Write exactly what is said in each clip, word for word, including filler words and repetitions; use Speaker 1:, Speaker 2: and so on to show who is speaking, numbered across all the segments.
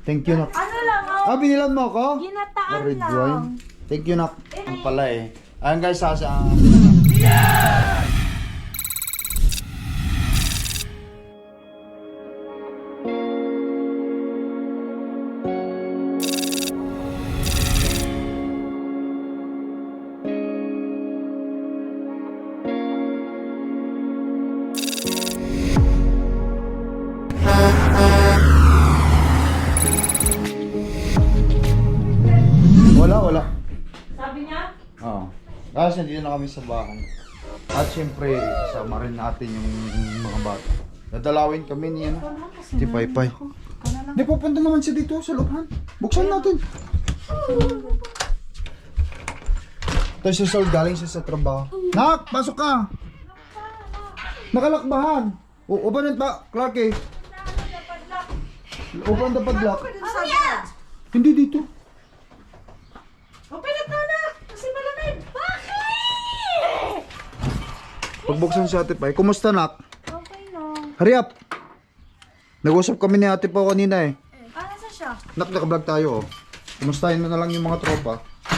Speaker 1: Thank you, nak.
Speaker 2: Ano lang, oh.
Speaker 1: Ah, binilan mo ako?
Speaker 2: Ginataan
Speaker 1: Red
Speaker 2: lang.
Speaker 1: wine. Thank you, nak. Ang pala eh. Ayan guys, sasa. Wala, wala.
Speaker 2: Sabi niya?
Speaker 1: Oo. Guys, nandito na kami sa bahay. At syempre, kasama rin natin yung mga bata. Dadalawin kami niya. Si Paypay. Di, pupunta naman siya dito sa looban. Buksan natin. Ito si Sol, galing siya sa trabaho. Nak, pasok ka! Nakalakbahan. O, uban pa, Clark eh. Uban dapat lock.
Speaker 2: Ano yan?
Speaker 1: Hindi dito.
Speaker 2: Open it na na! Kasi malamig! Bakit?
Speaker 1: Pagbuksan si Ate Pai, kumusta nak?
Speaker 2: Okay na.
Speaker 1: Hurry up! Nag-usap kami ni Ate Pao kanina eh.
Speaker 2: Ah, nasa siya?
Speaker 1: Nak, nakablog tayo oh. Kumustahin mo na lang yung mga tropa.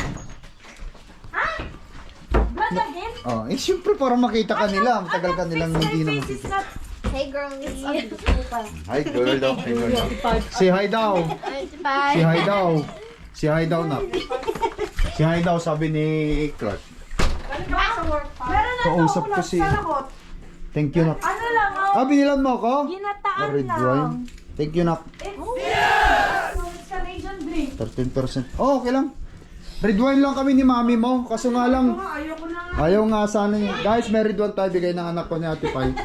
Speaker 2: Blood again?
Speaker 1: Oh, eh siyempre para makita ka nila. Matagal ka nilang hindi na
Speaker 2: My face is
Speaker 1: makita.
Speaker 2: not...
Speaker 3: Hey girlie.
Speaker 1: Hi girl daw. Hi girl daw. Say hi daw. Say hi daw. Say hi daw nak. Say hi daw sabi ni Clark.
Speaker 2: Galing ka ba sa work pa? Meron na
Speaker 1: Kausap
Speaker 2: ito,
Speaker 1: ko
Speaker 2: ulam
Speaker 1: si-
Speaker 2: sa lakot.
Speaker 1: Thank you nak.
Speaker 2: Ano lang, oh.
Speaker 1: Ah, binilan mo ako?
Speaker 2: Ginataan
Speaker 1: Red
Speaker 2: lang.
Speaker 1: wine. Thank you nak.
Speaker 2: It's... Yeah! So, it's Canadian drink.
Speaker 1: thirteen percent. Oh, okay lang. Red wine lang kami ni mami mo. Kaso nga lang,
Speaker 2: Mga ayoko na nga.
Speaker 1: ayaw nga sana niya. Guys, may red wine tayo bigay ng anak ko ni Ate Pai.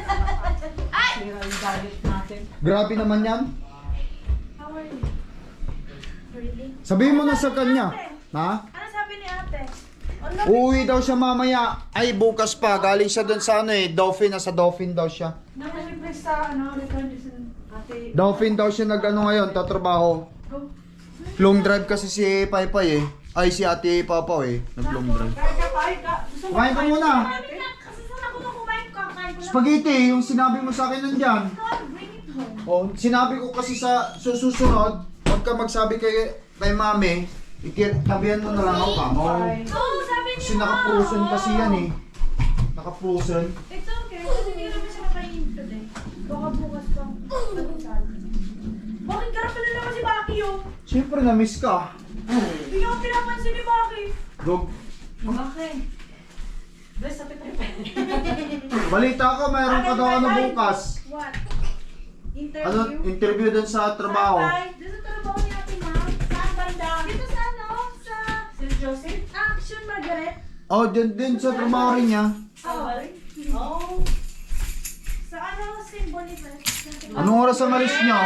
Speaker 1: Grabe naman yan.
Speaker 2: How are you? Really?
Speaker 1: Sabihin mo na sa kanya. Ha?
Speaker 2: Ano sabi ni ate? Ano?
Speaker 1: Uuwi daw siya mamaya. Ay, bukas pa. Galing siya doon sa ano eh. Dolphin. Nasa Dolphin daw siya.
Speaker 2: Naka-request sa ano, return is ate.
Speaker 1: Dolphin daw siya nag ano ngayon. Tatrabaho. Long drive kasi si Paypay eh. Ay, si Ate Papa eh. Nag-long drive.
Speaker 2: Kaya ka, kaya ka. Gusto mo
Speaker 1: Kumain ka muna.
Speaker 2: Kasi saan ako na kumain ka? Kain ko lang.
Speaker 1: Spaghetti. Yung sinabi mo sa akin nandyan.
Speaker 2: Bring it home.
Speaker 1: Oh, sinabi ko kasi sa susunod, huwag ka magsabi kay, kay mami, ikitabihan mo na lang ako kamo.
Speaker 2: Oo, sabi niya.
Speaker 1: Kasi naka-frozen kasi yan eh. Naka-frozen.
Speaker 2: It's okay. Kasi hindi naman siya makainin today. Baka bukas pa. Bakit karap na naman si Baki yun?
Speaker 1: Siyempre na-miss ka.
Speaker 2: Hindi ako pinapansin ni Baki.
Speaker 1: Dog,
Speaker 2: Bakit? Bless sa Petripe.
Speaker 1: balita ko, mayroon ka daw ano bukas.
Speaker 2: What?
Speaker 1: Ano,
Speaker 2: Interview?
Speaker 1: interview dun sa trabaho.
Speaker 2: Saan? Doon sa trabaho ni Ate Ma'am. Saan banda? Dito sa ano? Sa... Saint Joseph? Action Margaret?
Speaker 1: Oh, dun din sa trabaho rin niya.
Speaker 2: Oh. Oh. Sa ano? Saint Boniface?
Speaker 1: Anong oras ang alis niyo?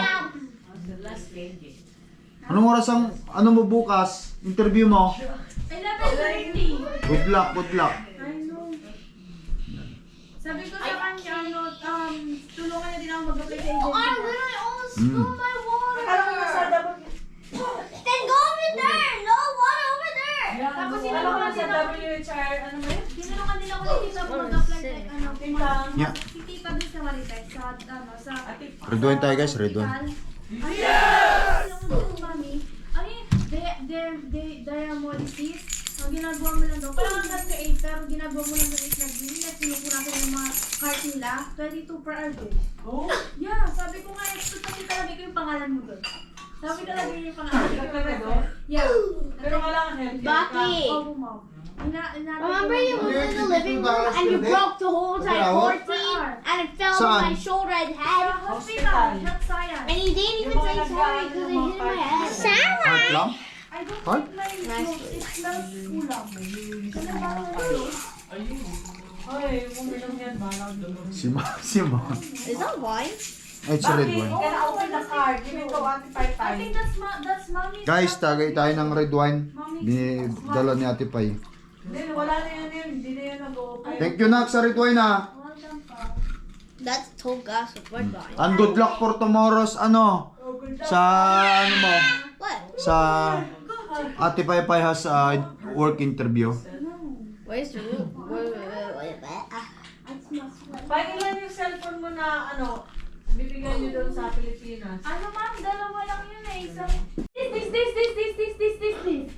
Speaker 1: Anong oras ang, ano mo bukas? Interview mo?
Speaker 2: eleven thirty.
Speaker 1: Good luck, good luck.
Speaker 2: I know. Sabi ko sa kanya, ano, um, tulungan niya din ako mag-apply sa agency.
Speaker 3: I literally almost
Speaker 1: Mm.
Speaker 3: spilled my water.
Speaker 2: Akala ko nasa dapat...
Speaker 3: Then go over there. No water over there.
Speaker 2: Tapos sinulungan sa W H R, ano ba yun? Sinulungan din ako ni Tita kung mag-apply sa, ano, Tita.
Speaker 1: Yeah.
Speaker 2: Si Tita din sa Marites, sa, ano, sa...
Speaker 1: Red wine tayo guys, red wine.
Speaker 2: Yes! Mami, ano yun? Di- di- di- diamolysis. Ang ginagawa mo lang daw, parang hanggang ka eight, pero ginagawa mo lang daw eight na gini at sinupunasan yung mga cart nila, twenty-two per hour day. Oh? Yeah, sabi ko nga, ito kasi talaga ko yung pangalan mo doon. Sabi talaga yun yung pangalan mo. Yeah.
Speaker 4: Pero kailangan healthy.
Speaker 3: Baki.
Speaker 2: Oo, ma'am. Ina- ina-
Speaker 3: Remember you was in the living room and you broke the whole entire floor team and it fell on my shoulder and
Speaker 2: Sa
Speaker 3: head
Speaker 2: hospital, health science.
Speaker 3: and you didn't even say sorry because it hit my head.
Speaker 1: Heart lang?
Speaker 2: I don't
Speaker 1: Huh?
Speaker 2: think my nose, it smells kulang. Kasi parang ano,
Speaker 4: Ay, kung minum yan, balang doon.
Speaker 1: Si Ma, si Ma.
Speaker 3: Is that wine?
Speaker 1: Ay, it's a red
Speaker 4: Bakit?
Speaker 1: wine.
Speaker 4: Can I open the card? Give it to Ate Pai
Speaker 2: I
Speaker 4: Pai.
Speaker 2: think that's ma that's mommy's.
Speaker 1: Guys, tagay tayo ng red wine. Binidala ni Ate Pai.
Speaker 4: Hindi, wala na yan yun. Hindi na yan nag-open.
Speaker 1: Thank you nak sa red wine ha.
Speaker 2: Welcome pa.
Speaker 3: That's told gas with red wine.
Speaker 1: And good luck for tomorrow's ano. Sa ano mo.
Speaker 3: What?
Speaker 1: Sa Ate Pai Pai has a work interview.
Speaker 3: Where's the room? Wait, wait, wait, wait, wait. Ah.
Speaker 2: It smells well.
Speaker 4: Pakilan yung cellphone mo na ano, bibigyan nyo doon sa Pilipinas.
Speaker 2: Ano ma'am, dalawa lang yun eh. Isang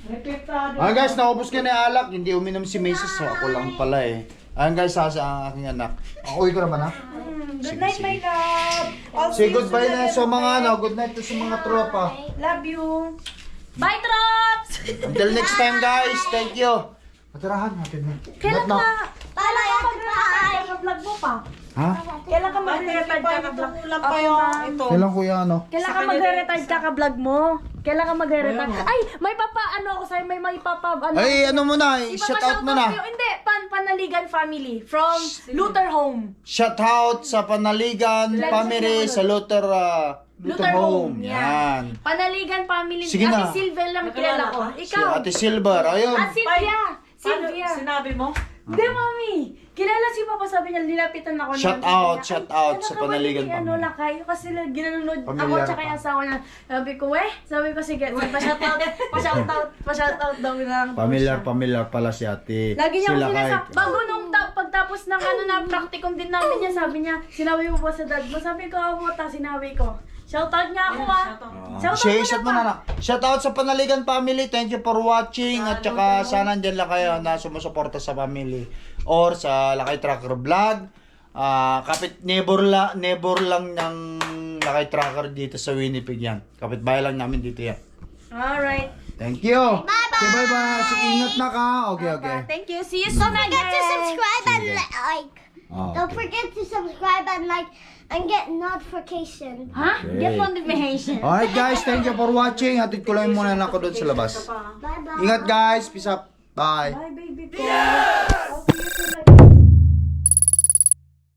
Speaker 4: Repektado.
Speaker 1: Ayan guys, naubos ka na yung alak. Hindi uminom si Macy's. So ako lang pala eh. Ayan guys, sasa ang aking anak. Ako, uwi ko na ba na?
Speaker 4: Good
Speaker 1: Sige,
Speaker 4: night,
Speaker 1: sige.
Speaker 4: my love. I'll
Speaker 1: Say
Speaker 4: see you
Speaker 1: goodbye
Speaker 4: soon
Speaker 1: na
Speaker 4: again,
Speaker 1: sa mga
Speaker 4: okay?
Speaker 1: ano. Good night to sa mga tropa.
Speaker 4: Love you.
Speaker 2: Bye, Trops!
Speaker 1: Until next time guys. Thank you. Matirahan natin na.
Speaker 2: Kailan
Speaker 1: Not now.
Speaker 2: ka? Kailan ka mag-retire ka vlog mo pa?
Speaker 1: Ha?
Speaker 2: Kailan ka
Speaker 4: Bakit
Speaker 2: mag-retire ka ka vlog?
Speaker 4: lang pa yung ito.
Speaker 1: Kailan kuya ano?
Speaker 2: Kailan
Speaker 4: Sa
Speaker 2: ka
Speaker 4: kanya
Speaker 2: magre-retire
Speaker 4: din,
Speaker 2: ka ka vlog mo? Kailan ka magre-retire?
Speaker 1: Ayun,
Speaker 2: Ay, may papa, ano ako sa'yo, may may papa, ano.
Speaker 1: Ay, ano mo na. Shout out mo na.
Speaker 2: sa'yo. Hindi, pan Panaligan family from Luther Home.
Speaker 1: Shout out sa Panaligan
Speaker 2: Let's
Speaker 1: family
Speaker 2: see.
Speaker 1: sa Luther uh, Luther Home. Yan.
Speaker 2: Panaligan family.
Speaker 1: Sige na.
Speaker 2: Ate Silvia lang kilala ko.
Speaker 4: Nakilala
Speaker 1: Si
Speaker 2: Ikaw.
Speaker 1: Ate Silver. Ayun.
Speaker 2: Ah, Silvia.
Speaker 4: Ano,
Speaker 2: Silvia.
Speaker 4: sinabi mo?
Speaker 2: Hindi, mami. Kilala si Papa, sabi niya, nilapitan ako.
Speaker 1: Shout
Speaker 2: niya.
Speaker 1: out,
Speaker 2: Sabi niya,
Speaker 1: shout
Speaker 2: "Ay,
Speaker 1: out
Speaker 2: anak
Speaker 1: sa
Speaker 2: ka ba,
Speaker 1: Panaligan
Speaker 2: hindi, Ano
Speaker 1: family."
Speaker 2: lang kayo kasi ginanunod ako
Speaker 1: Pamilyar
Speaker 2: tsaka
Speaker 1: pa.
Speaker 2: yung asawa niya. Sabi ko, eh, sabi ko, sige, pa-shout out, pa-shout out, pa-shout out daw lang. daw
Speaker 1: Familiar,
Speaker 2: siya.
Speaker 1: familiar pala si Ate.
Speaker 2: Lagi niya ako
Speaker 1: Sila
Speaker 2: sinasab...
Speaker 1: kahit-
Speaker 2: Bago nung ta- pagtapos ng ano na practicum din namin niya, sabi niya, sinabi mo ba sa dad mo? Sabi ko, ako ta, sinabi ko. Shoutout niya ako ah. Shoutout
Speaker 1: Share,
Speaker 2: mo
Speaker 1: shout
Speaker 2: na
Speaker 1: mo
Speaker 2: pa.
Speaker 1: na na. Shout out sa Panaligan family. Thank you for watching. At saka sana andyan lang kayo na sumusuporta sa family. Or sa Lakay Tracker Vlog. Ah, kapit neighbor, la, neighbor lang ng Lakay Tracker dito sa Winnipeg yan. Kapit bahay lang namin dito yan.
Speaker 2: Alright.
Speaker 1: Thank you. Bye-bye. Okay, bye-bye. So, ingat na ka. Okay, okay.
Speaker 2: Thank you. See you soon
Speaker 3: Don't forget to
Speaker 2: again.
Speaker 3: subscribe and
Speaker 1: Sige.
Speaker 3: li- like.
Speaker 1: Oh,
Speaker 3: Don't
Speaker 1: okay.
Speaker 3: forget to subscribe and like and get notification.
Speaker 2: Ha?
Speaker 1: Okay.
Speaker 2: Get notification.
Speaker 1: Alright guys, thank you for watching. Hatid ko lang muna na ako doon sa labas.
Speaker 3: Bye bye.
Speaker 1: Ingat guys. Peace up. Bye.
Speaker 2: Bye, baby. Yeah! I'll see you soon again.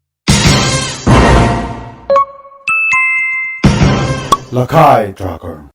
Speaker 1: Lakay Tracker.